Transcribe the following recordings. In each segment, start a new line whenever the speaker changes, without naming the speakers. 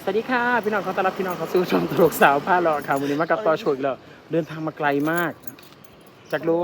สวัสดีค่ะพี่น้องขอต้อนรับพี่น้องเข้าสู่ช่องตลกสาวผ้าหล่อค่ะวันนี้มากับต่อโชว์อีกแล้วเดินทางมาไกลมากจากโล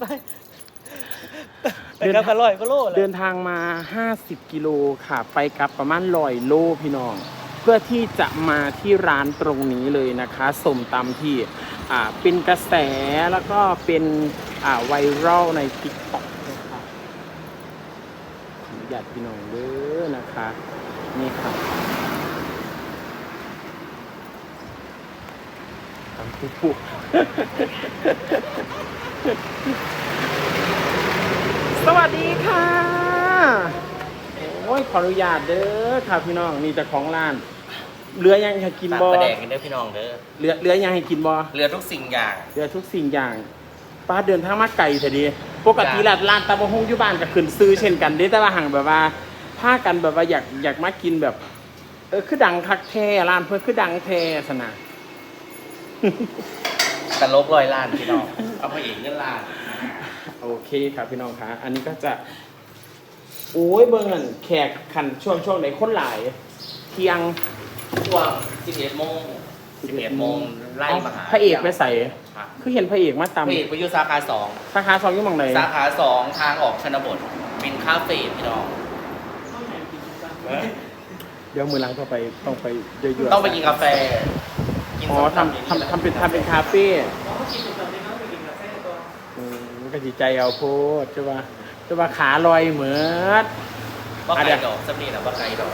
ไปกับกระลอยก็โลเลย
เดินทางมา50กิโลค่ะไปกลับประมาณ100โลพี่น้องเพื่อที่จะมาที่ร้านตรงนี้เลยนะคะส้มตำที่เป็นกระแสแล้วก็เป็นไวรัลใน TikTok นะคะขออนุญาตพี่น้องเด้อนะคะนี่ค่ะตำปุ๊บสวัสดีค่ะโอ้ยขออนุญาตเด้อค่ะพี่น้องนี่เจ้าของร้านเหลือยังให้กินบ่
ประแดกกันเด้อพี่น้องเด้อ
เหลือยังให้กินบ่
เรือทุกสิ่งอย่าง
เหลือทุกสิ่งอย่างป้าเดินทางมาไกลเสียดีปกติร้านตำบักหุ่งอยู่บ้านก็ขึ้นซื้อเช่นกันเด้แต่ว่าห่างแบบว่าพากันแบบว่าอยากมากินแบบคือดังคักแท้ร้านเพิ่นคือดังแท้สนะ
ตลกลอยล้านพี่น้องเอาไปเองเงินล้าน
โอเคครับพี่น้องคะอันนี้ก็จะโอ้ยเบิ่งนั่นแขกขันช่วงไหนคนหลายเที่ยง
ช่วง11โมงไล่มาหา
พระเอกไปใส่
ครับ
คือเห็นพระเอกมา
พระเอก
ตำ
ไปอยู่สาขา
สาขา2อยู่หม่องไหน
2สาขา2ทางออกชนบทเป็นคาเฟ่พี่น้อง
เดี๋ยวมือหลังต้องไปเยอะๆ
ต้องไปกินกาแฟ
อ๋อทำเป็นคาเฟ่มันก็จิใจเอาโพดจะว่าขาลอยเหมือน
ว่าไก่ดอกสำนีนะว่าไก่ดอก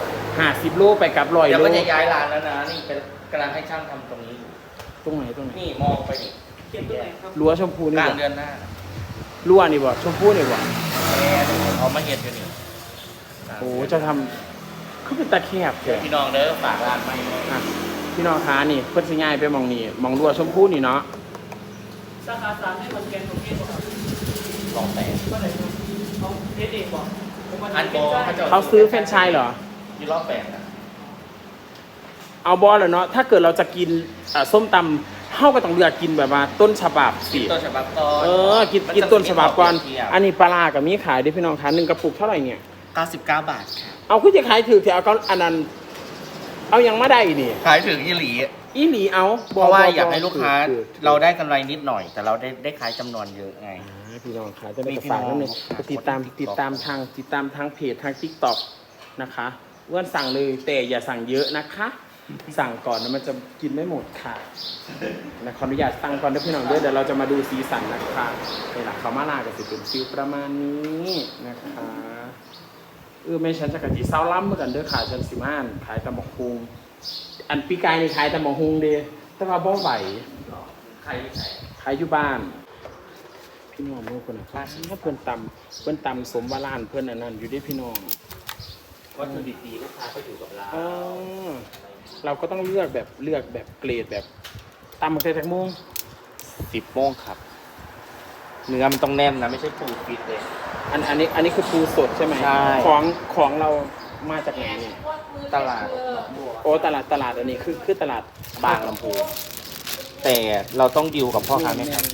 50 โลไปกับ100
เดี๋ยว
โล
ก็จะย้ายร้านแล้วนะนี่เป็นกำลังให้ช่างทำตรงนี้อยู่
ตรงไหน
นี่มองไปนี่
รั้วชมพูนี่
กลาง
บ่
เดือนหน้า
รั้วนี่บ่ชมพูนี่บ่
เขามาเห็ดอยู่นี่
โอ้จะทำคือเป็นตะแคบแท้
พี่น้องเด้อฝากร้านไม่
อ่ะพี่น้องคะนี่เพิ่นสิง่ายไปหมองนี่หมองรั้วชมพูนี่เนาะ
สาขาสามให้คนแกนของเทศบอก
ลองแต่
ก็ไหนเขาเทศเองบอกผมว่า
อันโบ
เขาซื้อแฟรนไชส์เหรอ
ยี่รอบแปดนะ
เอาบอลเลยเนาะถ้าเกิดเราจะกินส้มตำเฮาก็ต้องเลือกกินแบบว่าต้นฉบับสิ
ต้นฉบับก่อน
กินต้นฉบับก่อนอันนี้ปลาร้ากับมีขายด้วยพี่น้องคะ1กระปุกเท่าไหร่เนี่ย
99 บาทค่ะ
เอาคือจะขายถือที่เอาก็อันนั้นเอายังมาได้นี่
ขายถึงยี่หลี
อีหลีเอา
เพราะว่าอยากให้ลูกค้าเราได้กำไรนิดหน่อย แต่เราได้ขายจำนวนเยอะไง
พี่น้องคะจะได้
มี
กระ
พี่
ฝาก
น้อง
นิดนึงไปติดตามทางเพจทาง TikTok นะคะเพื่อนสั่งเลยแต่อย่าสั่งเยอะนะคะ สั่งก่อนนะมันจะกินไม่หมดค่ะนะขออนุญาตสั่งก่อนนะพี่น้องเดี๋ยวเราจะมาดูสีสันนะคะในหลักเขามาลากับสิเป็นฟิลประมาณนี้นะคะไม่ฉันจะกะทิเศร้าล้ำเหมือนกันเด้อค่ะฉันสิมานขายตำบักฮุงอันปีกายนี่ขายตำบักฮุงเด้แต่ว่าบ่ไหว
ใคร
ขายอยู่บ้านพี่น้องเมื่อคนนะถ้าเพื่อนตำสมวาลานเพื่อนอันนั้นอยู่ด้วยพี่น้อง
วัตถุดิบดีลูกค้าก็อยู่กับเรา
เราก็ต้องเลือกแบบเกรดแบบตำมาใส่แตงโมง
10 โมงครับเนื้อมันต้องแน่นนะไม่ใช่ปูฟิตเลย
อันนี้คือปูสดใช่ไหม
ใช่
ของเรามาจากไหนเนี่ย
ตลาด
โอ้ตลาดอันนี้คือตลาด
บางลำพูแต่เราต้องดิวกับพ่อค้าแม่ค้า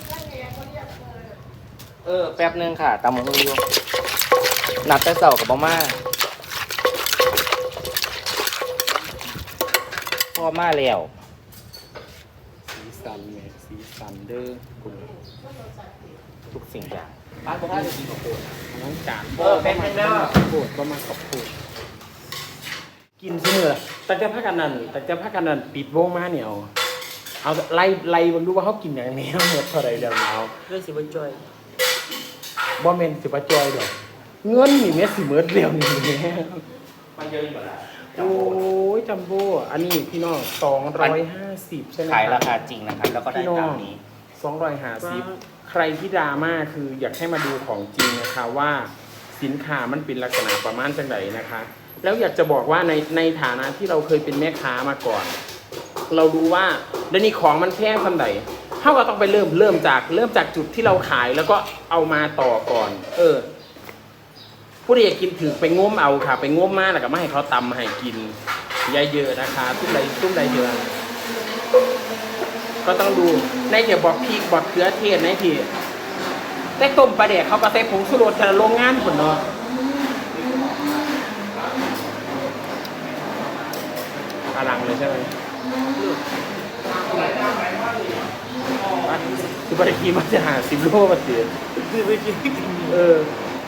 แป๊บนึงค่ะตามมืออยู่นัดแต่เสาร์กับม่าพ่อมาแล้ว
สีสันเนี่ยสีสันเด้อคุณ
ทุกสิ่งอย่างบ้านพ่อค้าจะกินกับโคตร
น้องจาน
แป๊บนึงเด้อ
โคตรประมาณกับโคตรกินเสมอแต่จะพักกันนั่นปิดวงมาเนี่ยเอาไล่บางดูว่าเขากินอย่างนี้หมดเท่าไรเดี๋ยวเอา
เรื่องสิบวันจอย
บ่แม่นสิบ่จอยดอกเงินนี่แม่สิเมิดเร็วนี่แม่
มันเยอะอยู่แล้ว
โอ้ยจัมโบ้อันนี้พี่น้อง250ใช่ไหม
ขายราคาจริงนะครับ แล้วก็ได้
พี่น้อ
ตาง มนี้
250ใครที่ดราม่าคืออยากให้มาดูของจริงนะคะว่าสินค้ามันเป็นลักษณะประมาณจังไดนะคะ แล้วอยากจะบอกว่าในฐานะที่เราเคยเป็นแม่ค้ามาก่อน เรารู้ว่าเดี๋ยวนี้ของมันแพงขนาดไหนเขาก็ต้องไปเริ่มจากจุดที่เราขายแล้วก็เอามาต่อก่อนผู้ใดอยากกินถือไปง้มเอาค่ะไปง้มมาแล้วก็ไม่ให้เขาตำมาให้กินเยอะๆนะคะตุ้มใดเยอะก็ต้องดูในเดี๋ยวบอกพริกบอกเกลือเทศในที่แต่ต้มปลาแดกเขาก็ใส่ผงชูรสแต่ละโรงงานคนเนาะอลังเลยใช่ไหมคือบริกีมันจะหา10 โลมาเสีย
คือไปกิน
เออ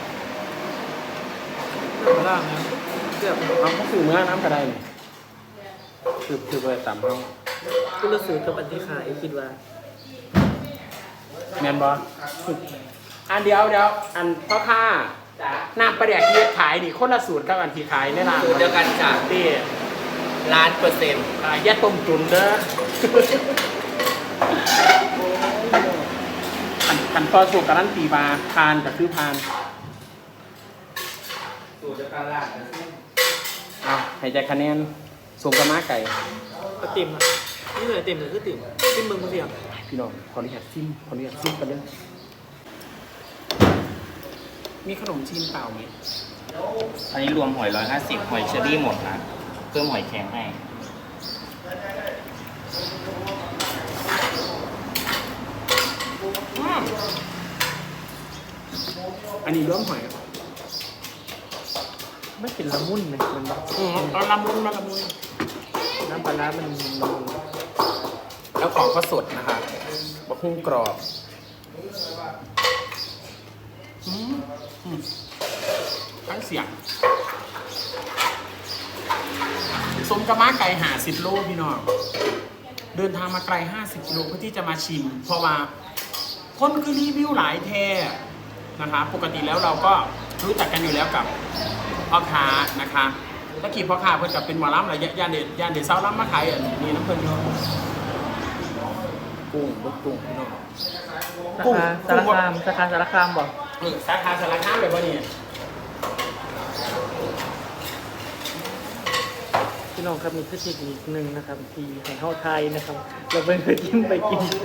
มาล่างนะเกือบ
เอาเขาสื่อเมื่อน้ำกระไดนี่คือไปตามเขา
ก็รู้สึกกับอันที่ขายคิดว่า
แมนบออันเดียวอันพ่อค้าน้ำปลาแดกที่ขายนี่คนละสูตรกับอันที่ขายในร้าน
สูตรเดียวกันจ้ะ
ที่
1,000,000%
แยกต้มจุนเด้อขันตอนสูตรการันตีมาพานกับซื้อพาน
สูตรเดียวกันล่ะ
เอาให้ใจคะแนนสมกับม้าไก่
ก็ติ่มอ่ะนี่เลยติ่มเลยคือติ่มติ่มเมืองคนเดียว
พี่น้องขออนุญาตซิมกันเลยมีขนมจีนเปล่าไหม
อันนี้รวมหอย150หอยเชอรี่หมดนะเพิ่มหอยแข็งให้
อันนี้ร่วมหอย
ไม่เป็นละมุนเลยมันแบบ
เอาละมุนมาละมุน
น้ำปลาร้ามันละมุน
แล้วของก็สดนะคะบะฮุ่งกรอบทั้งเสียงสมกับม้าไก่50 โลพี่น้องเดินทางมาไกล50 กิโลเพื่อที่จะมาชิม เพราะว่าคนคือรีวิวหลายแท้นะคะปกติแล้วเราก็รู้จักกันอยู่แล้วกับพ่อค้านะคะถ้าขี่พ่อค้าเพื่อนกับเป็นหมอลำอะไรย่านเด็ดเศร้าล้ำมาขายอันนี้น้ำเพื่อนเยอะกุ้งลูกกุ้งพี่น้อง
สาขาสารคามบอก
สาขาสารคามเลยป่ะเนี่ย
พี่น้องครับมีเทคนิคหนึ่งนะครับที่ของเฮาไทยนะครับ เราเป็นเคยกินไปกินไป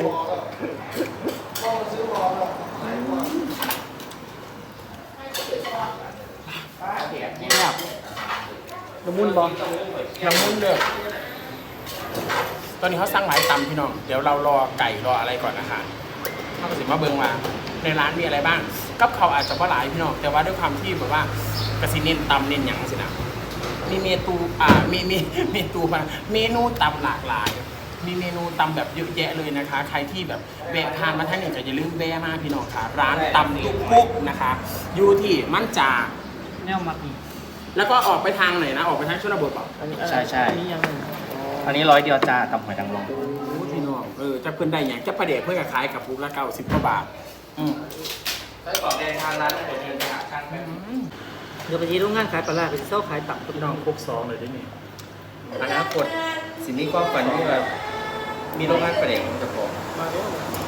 นี่แบบ
ละมุนบอก
น้ำมุนเด้อตอนนี้เขาสั่งหลายตำพี่น้องเดี๋ยวเรารอไก่รออะไรก่อนนะคะเขาก็สิมาเบิ่งว่าในร้านมีอะไรบ้างกับเขาวอาจจะว่าหลายพี่น้องแต่ว่าด้วยความที่แบบว่ากระสิเน้นตำเน้นหยังสินะมีเมนูเมนูตำหลากหลาย มีเมนูตำแบบเยอะแยะเลยนะคะ ใครที่แบบแวะทานมาท่านนี่ก็อย่าลืมแวะมาพี่น้องค่ะร้านตำตุ๊กปุ๊กนะคะอยู่ที่มั่นจา
แนวมักอีก
แล้วก็ออกไปทางไหนนะออกไปทางชนบทเปล่า
อันนี้
ใช่
อันนี้ยังไง
อันนี้100 เดียวจ้าตำหอยนางรม
โอ้พี่น้องจะเพิ่นได้อย่างจะประเดี๋ยวเพื่อขายกับปุ๊กละ90 กว่าบาท
ไส้กรอกแดงทางร้านเดี๋ยวเดินไปหาช่างแบบ
เดี๋ยวไปที่โรงงานขายปลาร้าไปเช่าขายตับ
พี่น้องพก2เลยได้ไหม
อนาคตสิ่งนี้ความฝันที่แบบมีโรงงานประเด็นจะพอ
มาด้วย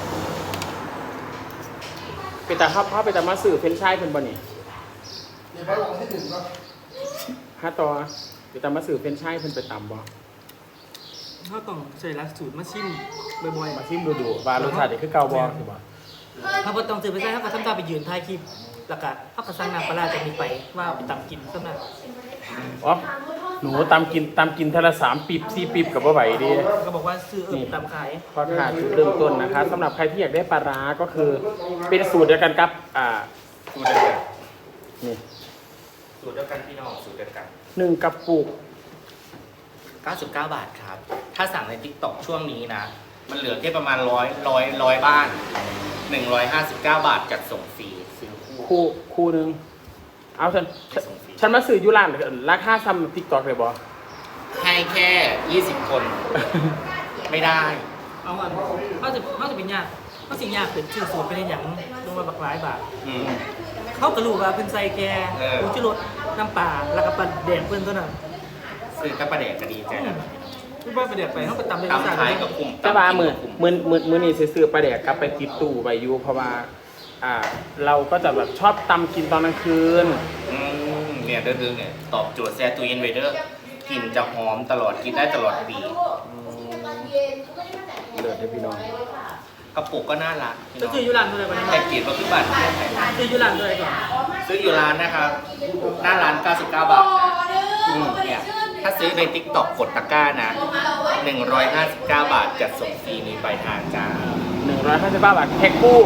ไปแต่พ่อไปแต่มาสื่อเฟ้นชายเพิ่นบ่นี่ห้าต่อไปแต่มาสื่อเฟ้นชายเพิ่นไปต่ำบ่
เขาต้องใส่หลักสูตรมาชิมบ่อย
มาชิมดูว่ารสชาตินี่คือเก่าบ่คือบ่
ๆเขาบ่ต้องซื้อไปใส่เขาก็ทำตามไปยืนถ่ายคลิปแล้วก็เขาก็สั่งน้ำปลาร้าจากนี้ไปว่าเอาไปตำกินสำหรับ
อ๋อหนูตำกินเทอละ3 ปีบ4 ปีบกับบ่ไหวดิ
ก็บอกว่าซื้อตำขาย
พอขาดจุดเริ่มต้นนะคะสำหรับใครที่อยากได้ปลาร้าก็คือเป็นสูตรเดียวกันกับ
สูตรเดียวกัน
นี่
สูตรเดียวกันพี่น้องสูตรเดียวกัน
1 กระปุก
99 บาทครับ ถ้าสั่งใน TikTok ช่วงนี้นะ มันเหลือแค่ประมาณ100บ้าน 159 บาทจัดส่งฟรีซื้อ
คู่นึงเอา
จัดส่งฟรี
ฉันมาซื้อยุรานราคาซ้ำ TikTok เลยบ่
ให้แค่ 20 คน ไม่ได้
เอาอันเขาจะเป็นยากเขาสิยากเป็นชื่อสูตรเป็นอย่างลงมาบักหลายบาท
อืม
เขากระลูกว่าเป็นไซแก
เออ
ผงชูรสน้ำปลาแล้วก็ปลาแดงเพิ่นเท่านั้น
ซื้อกับประเด็นก็ดีใจนะ
ไม่ว่าไปแดกไปเขาไปตำเลย
ตำขายกับกลุ่ม
แต่ว่ามื้อ
กลุ่ม
มื้อนี้ซื้อปลาแดกกลับไปติดตู้ไว้อยู่เพราะว่าเราก็จะแบบชอบตำกินตอนกลางคืน
เนี่ยเด้อเนี่ยตอบโจทย์แซ่ตู้เย็นไว้เด้อกินจะหอมตลอดกินได้ตลอดปี
เลิศให้พี่น้อง
กระปุกก็น่ารักพี่
ก็
น้อง
คือยูรันเท่าไหร่บ้าง
แต่กรีดว่าคือบัตร
คือยูรันเท่าไหร่ก่อน
ซื้ออยู่ร้านนะครับ หน้าร้าน 99 บาทเนี่ยถ้าซื้อใน TikTok กดตะกร้านะ 159 บาทจัดส่งฟรีมีปลายทางจ้า
159 บาทแพ็คคู่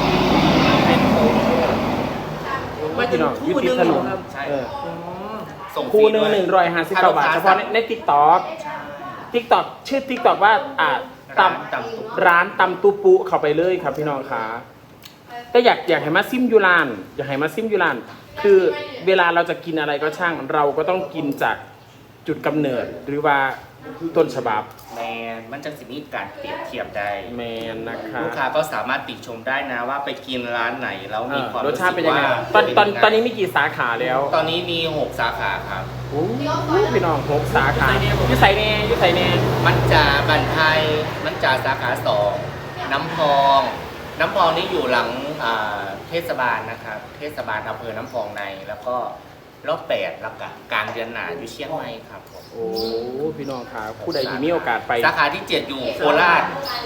มาถึงคู่หนึงครับ
ใช่
เออ
อ๋อ
ส่งฟรี
คู่หนึง
ด้วย
159 บาทเฉพาะใน TikTok
ใช่
TikTok ชื่อ TikTok ว่าร้านตำตุปุเข้าไปเลยครับพี่น้องค่ะแต่อยากให้มาซิมยูรานอยากให้มาซิมยูรานคือเวลาเราจะกินอะไรก็ช่างเราก็ต้องกินจากจุดกำเนิดหรือว่าต้นฉบับ
แมนมันจะสิมีการเปรียบเทียบได้
แมนนะคะ
ลูกค้าก็สามารถติชมได้นะว่าไปกินร้านไหนแล้วมีความ
รส
รู้
ชา
สึ
ติเป็น
ก
ยังไง
ว่า
ตอนนี้มีกี่สาขาแล้ว
ตอนนี้มี 6 สาขาครับ
โอ้พี่น้อง6 สาขาอยู่ใส่แน่
มันจาบันไทยมันจาสาขา2น้ำพองนี่อยู่หลังเทศบาลนะครับเทศบาลอำเภอน้ำพองในแล้วก็รอบ8แล้วก็กลางเดือนหนาอยู่เชียงใหม่ครับผม
โอ้พี่น้องค่ะผู้ใดที่มีโอกาสไป
สาขาที่ 7 อยู่โคราช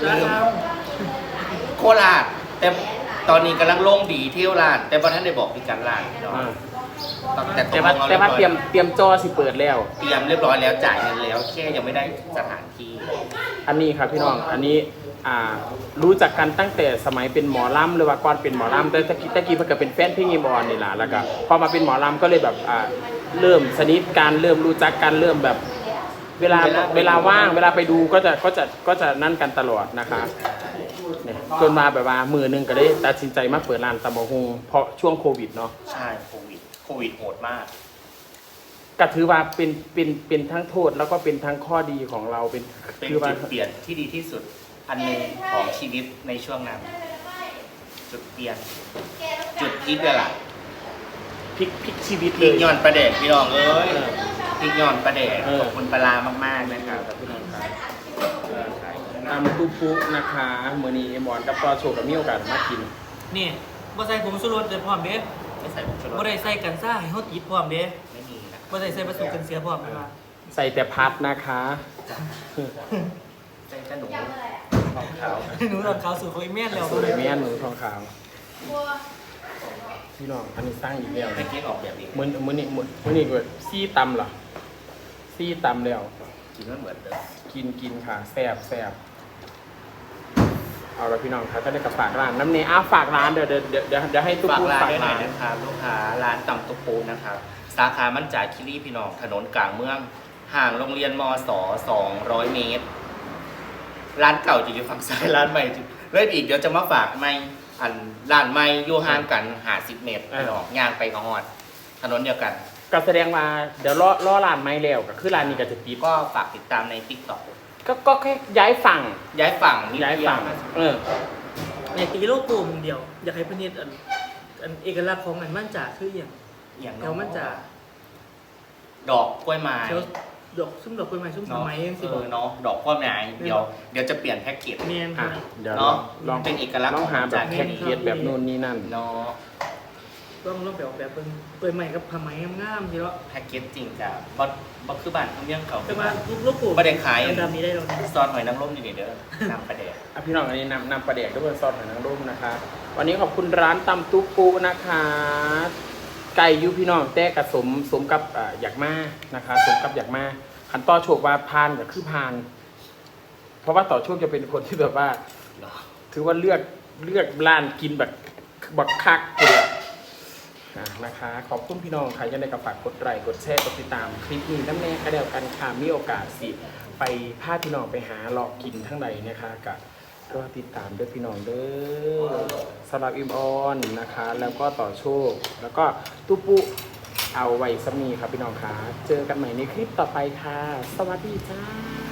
โคราชแต่ตอนนี้กำลังลงดีเที่ยวร้าน แต่พอท่านได้บอกพิการร้านเนาะ
แต่ว่าเตรียมจอสิเปิดแล้ว
เตรียมเรียบร้อยแล้วจ่ายเงินแล้วแค่ยังไม่ได้สถานที่
อันนี้ครับพี่น้องอันนี้รู้จักกันตั้งแต่สมัยเป็นหมอลำหรือว่าก่อนเป็นหมอลำแต่ตะกี้เพิ่งเป็นแฟนเพลงอีบอลนี่แหละแล้วก็พอมาเป็นหมอลำก็เลยแบบเริ่มสนิทกันเริ่มรู้จักกันเริ่มแบบเวลาว่างเวลาไปดูก็จะนั่นกันตลอดนะคะเนี่ยจนมาแบบว่ามือนึงก็ได้ตัดสินใจมาเปิดร้านตำบักหุ่งเพราะช่วงโควิดเนาะ
ใช่โควิดโหดมาก
ก็ถือว่าเป็นทั้งโทษแล้วก็เป็นทั้งข้อดีของเราเป็น
เป็น
คือว่า
จุดเปลี่ยนที่ดีที่สุดอันหนึ่งของชีวิตในช่วงนั้น จุดเปลี่ยนจุดพลิกเลยล่ะ
พลิกชีวิต
พ
เล
ลิก
ย
ย้อนประเดกพี่น้องเอ้ยพลิกย้อนประเดก
เออ
ขอบคุณปลามากๆนะครับพี่น้องครับ
ตำตุปุนะคะเมื่อนี้หมอนกับต่อโชว์กับมีโอกาสมากิน
นี่บ่ใส่ผงชูรสเด้อพร้อมเด้
ไม่ใส่ผงชูร
บ่
ส
ได้ใส่กันซ่าให้เฮาติดพร้อมเด้
ไม่มีนะ
บ่ได้ใส่ผสมกันเสียพร้อมนะคะ
ใส่แต่พัดนะคะ
ใส่ขนมของขาว
หนูตอนเขาสู่เขาอีเมลแล้ว
สวยแม่นหนูทองขาวพี่น้องอันนี้สร้างอีกแล้ว
ให้กินออกแบบนี้
มื้อนี้ก็ซี่ตำเหรอซี่ตำแล้ว
กินไม่เหมือนเดิม
กินค่ะแซ่บเอาละพี่น้องครับก็ได้กับฝากร้านน้ำเนยฝากร้านเดี๋ยวให้ตุ๊ก
ฝาก
ปู
ร้าน
ฝาก
ด้วยหน่
ร้า
อย
น
นะครับลูกค้าร้านตำตุ๊กปูนะครับสาขามั่นจ่ายคิรีพี่น้องถนนกลางเมืองห่างโรงเรียนมศ200 เมตร ร้านเก่าจะอยู่ฝั่งซ้ายร้านใหม่เลยอีกเดี๋ยวจะมาฝากไม่อันร้านใหม่อยู่ห่างกัน50 เมตรพี่น้องย่างไปกระหอดถนนเดียวกัน
ก็แสดงว่าเดี๋ยวรอร้านไม่แล้วก็คือร้านนี้ก็จะปิด
ก็ฝากติดตามใน TikTok
ก็แค่ย้ายฝั่ง
ย้ายฝั่งนิด
ย้าย
เดียว
ฝั่ง
เนี่ยตีโลโก้มึงเดียว อยากให้เพิ่นเฮ็ดอันเอกลักษณ์ของมันมั่นจ่าคืออย่าง
อย่าง
แถวมั่นจ่า
ดอกกล้วยไม้
แถวดอกซุ่มดอกกล้วยไม้ซุ่มสมัยจังซี่บ่
เนาะดอกกล้วยไม้เดี๋ยวจะเปลี่ยนแพ็กเกจ
แม่น
อ่ะ
ค่ะ
เดี๋ยว
เนาะ
ลอง
เป็นเอกลักษณ์
ลองหาแบบ
ของ
แพ็กเกจแบบนู่นนี่นั่น
เนาะ
ต้องไปออกแบบเปิ้นใหม่กับผ้าไหมงามๆสิเนาะ
แพ็กเกจจริงกับบคือบ้านเขาเมี่ยงเขา
แต่ว่าโลโก้
บ่ได้ขาย
ดำๆนี้ได้แล้วนะ
ซอสหอยนางรมอยู่นี่เด้อนำประเดก
พี่น้องอันนี้นำปลาแดกด้วยซอสหอยนางรมนะคะ วันนี้ขอบคุณร้านตำตุ๊กปูนะคะ ไก่อยูพี่น้องแต่กับสมกับอยากมานะคะสมกับอยากมาขันต่อโชคว่าพานก็คือพาน เพราะว่าต่อโชคจะเป็นคนที่แบบว่า ถือว่าเลือกร้านกินแบบบักคักเลยนะคะ ขอบคุณพี่น้องใครยังได้กับฝากกดไลค์กดแชร์กดติดตามคลิปนี้น้ำแน่ก็เดียวกันค่ะมีโอกาสสิไปพาพี่น้องไปหาหลอกกินทั้งใดนะคะกับรอติดตามด้วยพี่น้องเด้อสำหรับอิมออนนะคะ แล้วก็ต่อโชค แล้วก็ตุปุเอาไว้สมีครับพี่น้องค่ะเจอกันใหม่ในคลิปต่อไปค่ะ สวัสดีจ้า